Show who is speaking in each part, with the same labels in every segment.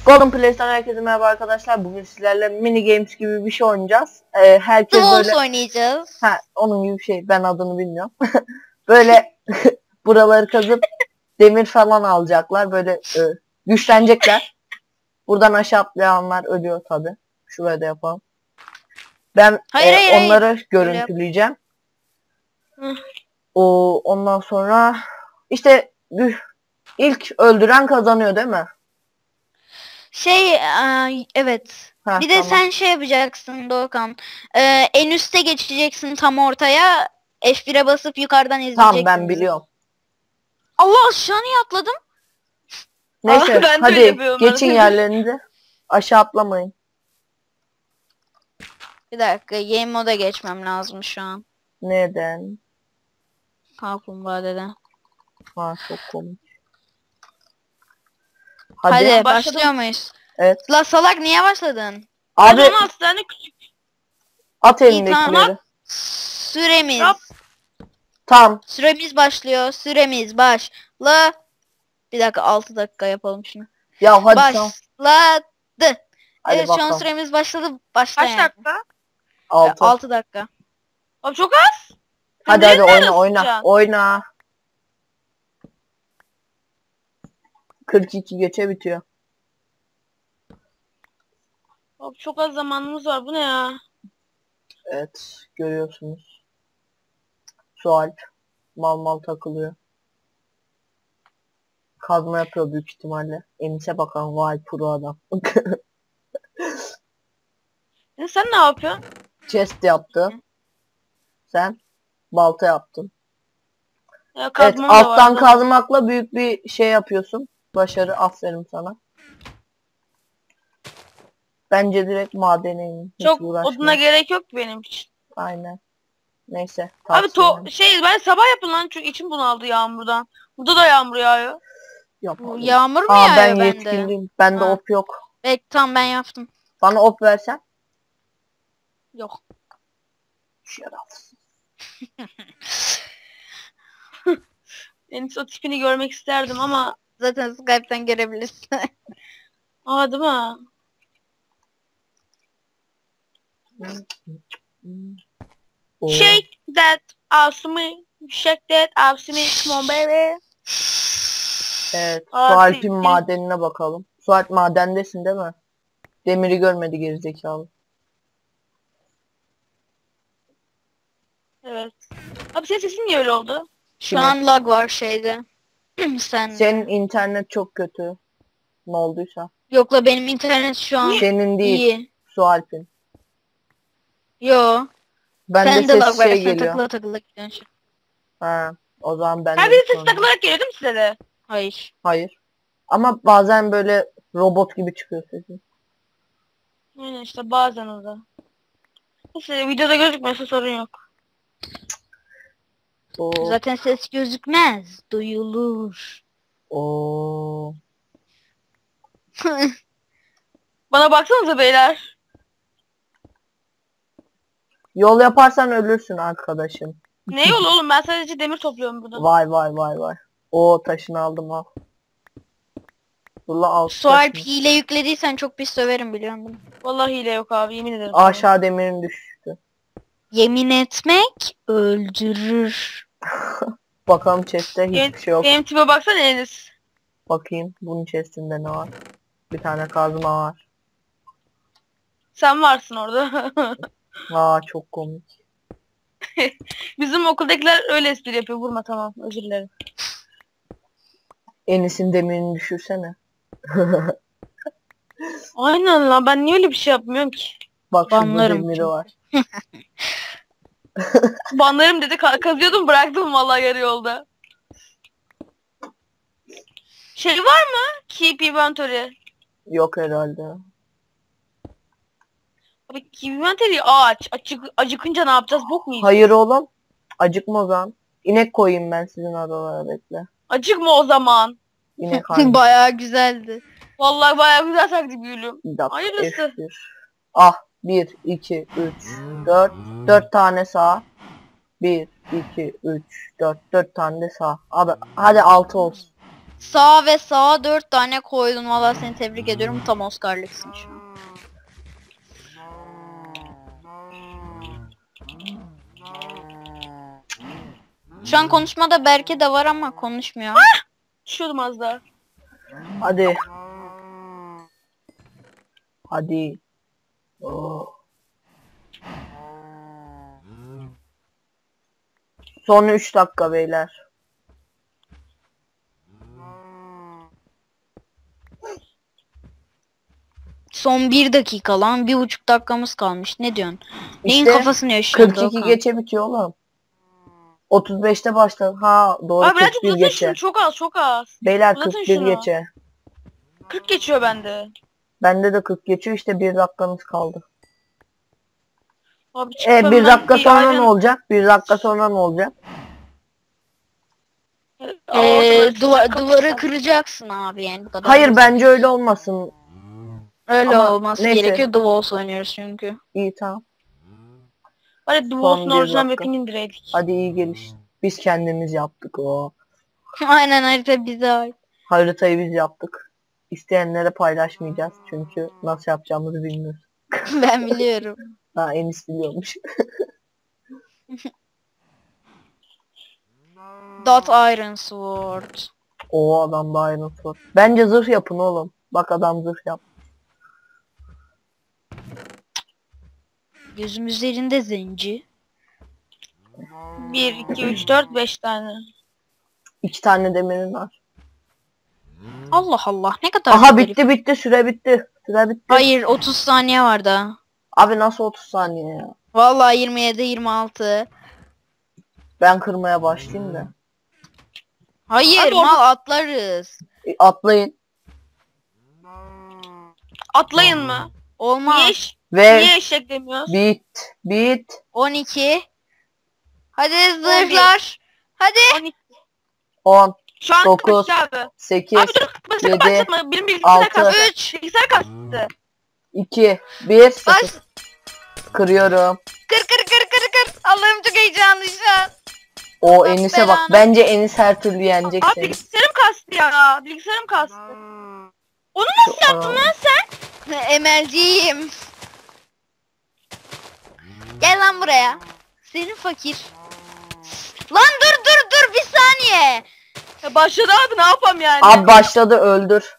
Speaker 1: Golden Play'den herkese merhaba arkadaşlar. Bugün sizlerle mini games gibi bir şey oynayacağız. Herkes
Speaker 2: The
Speaker 1: böyle...
Speaker 2: Wolves oynayacağız.
Speaker 1: Onun gibi bir şey. Ben adını bilmiyorum. Böyle buraları kazıp demir falan alacaklar. Böyle güçlenecekler. Buradan aşağı atlayanlar ölüyor tabi. Şuraya da yapalım. Ben
Speaker 2: Hayır.
Speaker 1: onları görüntüleyeceğim. Ondan sonra işte ilk öldüren kazanıyor değil mi?
Speaker 2: Evet. Bir de
Speaker 1: Tamam.
Speaker 2: sen şey yapacaksın Doğukan. En üste geçeceksin tam ortaya. F1'e basıp yukarıdan izleyeceksin.
Speaker 1: Tamam ben biliyorum.
Speaker 2: Allah aşağı niye atladım?
Speaker 1: Neyse
Speaker 3: ben
Speaker 1: hadi geçin yerlerinize. Aşağı atlamayın.
Speaker 2: Bir dakika game moda geçmem lazım şu an.
Speaker 1: Neden?
Speaker 2: Kaplumbağa dede.
Speaker 1: Çok komik.
Speaker 2: Hadi başlıyor muyuz?
Speaker 1: Evet.
Speaker 2: La salak niye başladın?
Speaker 1: Abi
Speaker 3: 16 tane küçük.
Speaker 1: at elindekileri.
Speaker 2: Süremiz.
Speaker 1: Tamam.
Speaker 2: Süremiz başlıyor. Süremiz başla. Bir dakika 6 dakika yapalım şunu.
Speaker 1: Ya hadi tamam.
Speaker 2: Başladı.
Speaker 1: Hadi
Speaker 2: Evet şu an
Speaker 1: bakalım.
Speaker 2: süremiz başladı. Başla
Speaker 3: Kaç
Speaker 2: yani.
Speaker 3: dakika?
Speaker 1: 6.
Speaker 2: 6 dakika.
Speaker 3: Abi çok az.
Speaker 1: Hadi
Speaker 3: Nereye
Speaker 1: oyna.
Speaker 3: sıçacaksın?
Speaker 1: Oyna. 42 geçe bitiyor.
Speaker 3: Abi çok az zamanımız var. Bu ne ya?
Speaker 1: Evet görüyorsunuz. Sualp mal takılıyor. Kazma yapıyor büyük ihtimalle. Enis'e bakalım vay pro adam.
Speaker 3: Sen ne yapıyorsun?
Speaker 1: Chest yaptı. Sen balta yaptın.
Speaker 3: Ya,
Speaker 1: Evet
Speaker 3: kazmam da
Speaker 1: alttan
Speaker 3: var,
Speaker 1: kazmakla büyük bir şey yapıyorsun. Başarı, aferin sana. Bence direkt madene in. Hiç
Speaker 3: çok
Speaker 1: uğraşma.
Speaker 3: oduna gerek yok ki benim için.
Speaker 1: Aynen. Neyse.
Speaker 3: Abi
Speaker 1: tavsiyem.
Speaker 3: ben sabah yapın lan çünkü içim bunaldı yağmurdan. Burada da yağmur yağıyor.
Speaker 1: Yapalım.
Speaker 2: Yağmur mu
Speaker 1: ben
Speaker 2: yağıyor bende?
Speaker 1: yetkiliyim. Bende
Speaker 2: Ha.
Speaker 1: op yok.
Speaker 2: Tamam ben yaptım.
Speaker 1: Bana op versen.
Speaker 2: Yok.
Speaker 1: Şerefsiz.
Speaker 3: En o tipini görmek isterdim ama.
Speaker 2: Zaten Skype'ten görebilirsin.
Speaker 3: Aa değil mi? Shake that ass me. Shake that ass me. Come on baby.
Speaker 1: Evet.
Speaker 3: Aa,
Speaker 1: Sualp'in madenine bakalım. Sualp madendesin değil mi? Demiri görmedi gerizekalı.
Speaker 3: Evet. Abi senin sesin niye öyle oldu?
Speaker 2: Şu an lag var şeyde.
Speaker 1: Senin internet çok kötü. Ne olduysa.
Speaker 2: Yok la benim internet şu an
Speaker 1: Senin değil.
Speaker 2: iyi.
Speaker 1: Sualp'in.
Speaker 2: Yo.
Speaker 1: Bende
Speaker 2: Sen de
Speaker 1: ses
Speaker 2: lag var.
Speaker 1: şey
Speaker 2: Sen
Speaker 1: geliyor.
Speaker 2: takıla gidiyorsun.
Speaker 1: O zaman ben
Speaker 3: Her
Speaker 1: de
Speaker 3: bir ses takılarak geliyor değil mi size de?
Speaker 2: Hayır.
Speaker 1: Hayır. Ama bazen böyle robot gibi çıkıyor sesin.
Speaker 3: Aynen işte bazen o da. Neyse videoda gözükmüyorsa sorun yok.
Speaker 2: Zaten ses gözükmez. Duyulur.
Speaker 3: Bana baksanıza beyler.
Speaker 1: Yol yaparsan ölürsün arkadaşım.
Speaker 3: Ne yol oğlum, ben sadece demir topluyorum burada.
Speaker 1: Vay. Taşını aldım al.
Speaker 2: Sualp hile yüklediysen çok pis söverim biliyor musun?
Speaker 3: Vallahi hile yok abi, yemin ederim.
Speaker 1: Aşağı demirin düştü.
Speaker 2: Yemin etmek öldürür.
Speaker 1: Bakalım chest'te hiçbir şey yok.
Speaker 3: Benim tipe baksana Enes.
Speaker 1: Bakayım bunun chest'inde ne var? Bir tane kazma var.
Speaker 3: Sen varsın orada.
Speaker 1: Çok komik.
Speaker 3: Bizim okuldakiler öyle espri yapıyor. Vurma, tamam, özür dilerim.
Speaker 1: Enis'in demirini düşürsene.
Speaker 3: Aynen lan, ben niye öyle bir şey yapmıyorum ki?
Speaker 1: Bak şurada
Speaker 2: Banlarım
Speaker 1: demiri
Speaker 2: çünkü.
Speaker 1: var.
Speaker 3: Banlarım dedi, kazıyordum, bıraktım vallahi yarı yolda. Şey var mı? Keep inventory.
Speaker 1: Yok herhalde.
Speaker 3: Abi keep inventory aç. Acıkınca ne yapacağız? Bok mu yiyeceğiz?
Speaker 1: Hayır oğlum. Acıkma o zaman. İnek koyayım ben sizin aralara, bekle.
Speaker 3: Acıkma o zaman.
Speaker 1: İnek hangi?
Speaker 2: Bayağı güzeldi.
Speaker 3: Vallahi bayağı güzel taktik gülüm.
Speaker 1: Bir dakika.
Speaker 3: Hayırlısı.
Speaker 1: F1. 1, 2, 3, 4. 4 tane sağ. 1, 2, 3, 4. 4 tane de sağ. Abi hadi 6 olsun.
Speaker 2: Sağ ve sağa 4 tane koydun. Valla seni tebrik ediyorum. Tam Oscar'lıksın şu an. Şu an konuşmada Berke de var ama konuşmuyor.
Speaker 3: Düşüyordum az daha.
Speaker 1: Hadi. Hadi. Oo. Son 3 dakika beyler.
Speaker 2: Son 1 dakika lan. 1,5 dakikamız kalmış. Ne diyorsun? Neyin
Speaker 1: İşte
Speaker 2: kafasını yaşıyorsun
Speaker 1: 42
Speaker 2: Doğukan?
Speaker 1: geçe bitiyor oğlum. 35'te başladı. Ha doğru,
Speaker 3: Abi birazcık
Speaker 1: 41
Speaker 3: uzatın
Speaker 1: geçe.
Speaker 3: şunu, çok az çok az.
Speaker 1: Beyler
Speaker 3: uzatın
Speaker 1: 41
Speaker 3: şunu.
Speaker 1: geçe.
Speaker 3: 40 geçiyor bende.
Speaker 1: Bende de 40 geçiyor, işte 1 dakikamız kaldı.
Speaker 3: Abi çıkıp
Speaker 1: 1
Speaker 3: hemen
Speaker 1: dakika
Speaker 3: bir
Speaker 1: sonra
Speaker 3: ayran-
Speaker 1: ne olacak? 1 dakika sonra ne olacak?
Speaker 2: Duvarı kıracaksın abi yani bu kadar.
Speaker 1: Hayır,
Speaker 2: basit.
Speaker 1: bence öyle olmasın.
Speaker 2: Öyle
Speaker 1: ama
Speaker 2: olması
Speaker 1: neyse.
Speaker 2: gerekiyor. The Walls oynuyoruz çünkü.
Speaker 1: İyi tamam.
Speaker 3: Hadi The
Speaker 1: Son
Speaker 3: Walls'un
Speaker 1: bir
Speaker 3: orijinal
Speaker 1: dakika.
Speaker 3: map'ini indireydik.
Speaker 1: Hadi iyi geliş. Biz kendimiz yaptık o.
Speaker 2: Aynen harita bize ait.
Speaker 1: Haritayı biz yaptık. İsteyenlere paylaşmayacağız çünkü nasıl yapacağımızı bilmiyoruz.
Speaker 2: Ben biliyorum.
Speaker 1: Ha, Enis biliyormuş.
Speaker 2: Dot Iron Sword.
Speaker 1: O adam da ayrıntı. Bence zırh yapın oğlum. Bak adam zırh yap.
Speaker 2: Gözüm üzerinde zenci.
Speaker 3: 1, 2, 3, 4, 5 tane.
Speaker 1: 2 tane demirin var.
Speaker 2: Allah Allah ne kadar
Speaker 1: Aha
Speaker 2: garip.
Speaker 1: bitti süre bitti. Süre bitti.
Speaker 2: Hayır 30 saniye var daha.
Speaker 1: Abi nasıl 30 saniye ya?
Speaker 2: Vallahi 27 26.
Speaker 1: Ben kırmaya başlayayım da.
Speaker 2: Hayır
Speaker 3: Hadi
Speaker 2: mal atlarız.
Speaker 1: Atlayın.
Speaker 3: Atlayın mı?
Speaker 2: Olmaz.
Speaker 1: Ve
Speaker 3: Niye eşek demiyoruz?
Speaker 1: bit.
Speaker 2: 12. Hadi zırhlar. Hadi.
Speaker 3: 12.
Speaker 1: 10,
Speaker 3: Şu an
Speaker 1: 9,
Speaker 3: kaç abi?
Speaker 1: 8,
Speaker 3: Abi dur sakın
Speaker 1: 7,
Speaker 3: başlatma. Benim bilgisayar
Speaker 1: 6,
Speaker 3: kastı.
Speaker 2: 3.
Speaker 3: Bilgisayar kastı.
Speaker 1: 2, 1, 0.
Speaker 2: Baş.
Speaker 1: Kırıyorum.
Speaker 2: Kır. Allah'ım çok heyecanlı şu an.
Speaker 1: O
Speaker 2: Allah
Speaker 1: Enis'e bak.
Speaker 2: belanı.
Speaker 1: Bence Enis her türlü yenecek
Speaker 3: Abi
Speaker 1: seni.
Speaker 3: bilgisayarım kastı ya. Bilgisayarım kastı. Onu nasıl yaptın lan sen?
Speaker 2: Emelciyim. Gel lan buraya. Senin fakir. Lan dur bir saniye.
Speaker 3: Ya başladı abi ne yapam yani?
Speaker 1: Abi başladı, öldür.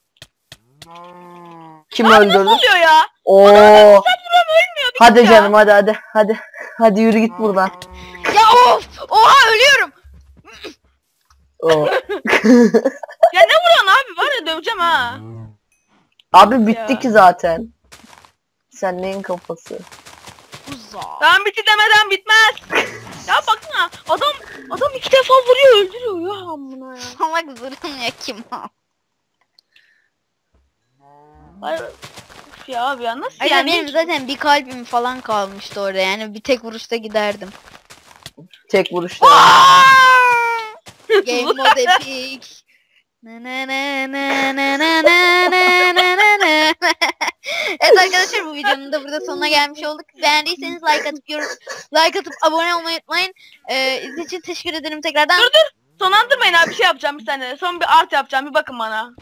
Speaker 1: Kim
Speaker 3: Abi
Speaker 1: öldürdü?
Speaker 3: nasıl oluyor ya?
Speaker 1: Oo.
Speaker 3: Ölmüyor bir
Speaker 1: Hadi
Speaker 3: ya.
Speaker 1: canım hadi. Hadi yürü git buradan.
Speaker 2: Ya of. Oha ölüyorum.
Speaker 1: Oo.
Speaker 3: Ya ne vuruyorsun abi? Var ya döveceğim ha.
Speaker 1: Abi bitti
Speaker 3: Ya.
Speaker 1: ki zaten. Sen neyin kafası?
Speaker 2: Uza.
Speaker 3: Ben bitti demeden bitmez. Ya bakma adam 2 defa vuruyor öldürüyor ya amına ya.
Speaker 2: Salak zırhın ya kim o?
Speaker 3: Ay, Üf ya abi ya nasıl
Speaker 2: Ay
Speaker 3: yani?
Speaker 2: benim zaten bir kalbim falan kalmıştı orada yani bir tek vuruşta giderdim.
Speaker 1: Tek vuruşta.
Speaker 2: Game mode epic. Evet arkadaşlar bu videonun da burada sonuna gelmiş olduk. Beğendiyseniz like atıp abone olmayı unutmayın. İzlediğiniz için teşekkür ederim tekrardan.
Speaker 3: Sonlandırmayın abi bir şey yapacağım bir saniye. Son bir art yapacağım bir bakın bana.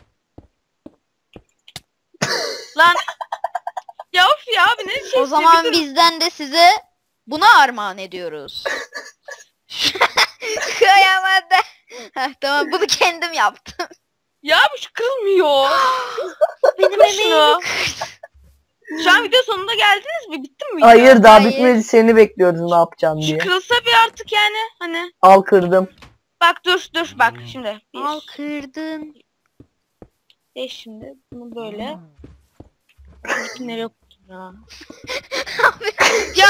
Speaker 3: Lan. Ya of ya abi ne şey.
Speaker 2: O zaman
Speaker 3: bir dur.
Speaker 2: bizden de size buna armağan ediyoruz. Kıyamadı. Heh, tamam bunu kendim yaptım.
Speaker 3: Ya bu şu kırılmıyor.
Speaker 2: Benim
Speaker 3: Kır
Speaker 2: emeğimi
Speaker 3: şunu.
Speaker 2: kırdın.
Speaker 3: Şu an video sonuna geldiniz mi? Bitti mi video?
Speaker 1: Hayır daha
Speaker 2: Hayır.
Speaker 1: bitmedi, seni bekliyoruz ne yapacaksın
Speaker 3: Şu
Speaker 1: diye.
Speaker 3: kırılsa bir artık yani hani.
Speaker 1: Al kırdım.
Speaker 3: Bak dur bak şimdi.
Speaker 2: Al kırdın.
Speaker 3: Şimdi bunu böyle. İpinleri yok ya. ya.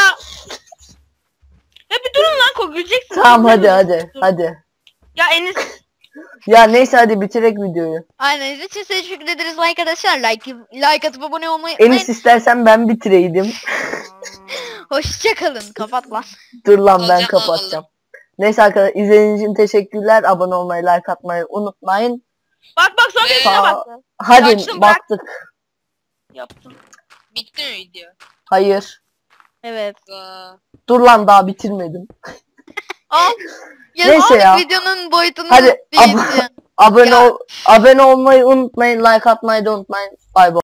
Speaker 3: Ya bir durun lan güleceksin.
Speaker 1: Tamam hadi
Speaker 3: Dur.
Speaker 1: hadi.
Speaker 3: Ya Enis.
Speaker 1: Ya neyse hadi bitirek videoyu.
Speaker 2: Aynen izlediğiniz için size teşekkür ederiz arkadaşlar. Like atıp abone olmayı
Speaker 1: Enis
Speaker 2: unutmayın.
Speaker 1: istersen ben bitireydim.
Speaker 2: Hoşçakalın. Kapat lan.
Speaker 1: Dur lan ben
Speaker 2: Olacak
Speaker 1: kapatacağım. Neyse arkadaşlar izlediğiniz için teşekkürler. Abone olmayı, like atmayı unutmayın.
Speaker 3: Bak son dediğine
Speaker 1: Sağ-
Speaker 3: bak.
Speaker 1: Hadi
Speaker 3: Açtım, bırak.
Speaker 1: baktık.
Speaker 3: Yaptım.
Speaker 4: Bitti mi video?
Speaker 1: Hayır.
Speaker 2: Evet.
Speaker 1: Dur lan daha bitirmedim.
Speaker 3: Al.
Speaker 2: Ya
Speaker 1: Neyse
Speaker 2: artık
Speaker 1: ya.
Speaker 2: videonun boyutunu
Speaker 1: Hadi
Speaker 2: büyütüyorsun.
Speaker 1: Abone olmayı unutmayın. Like atmayı da unutmayın. Bye bye.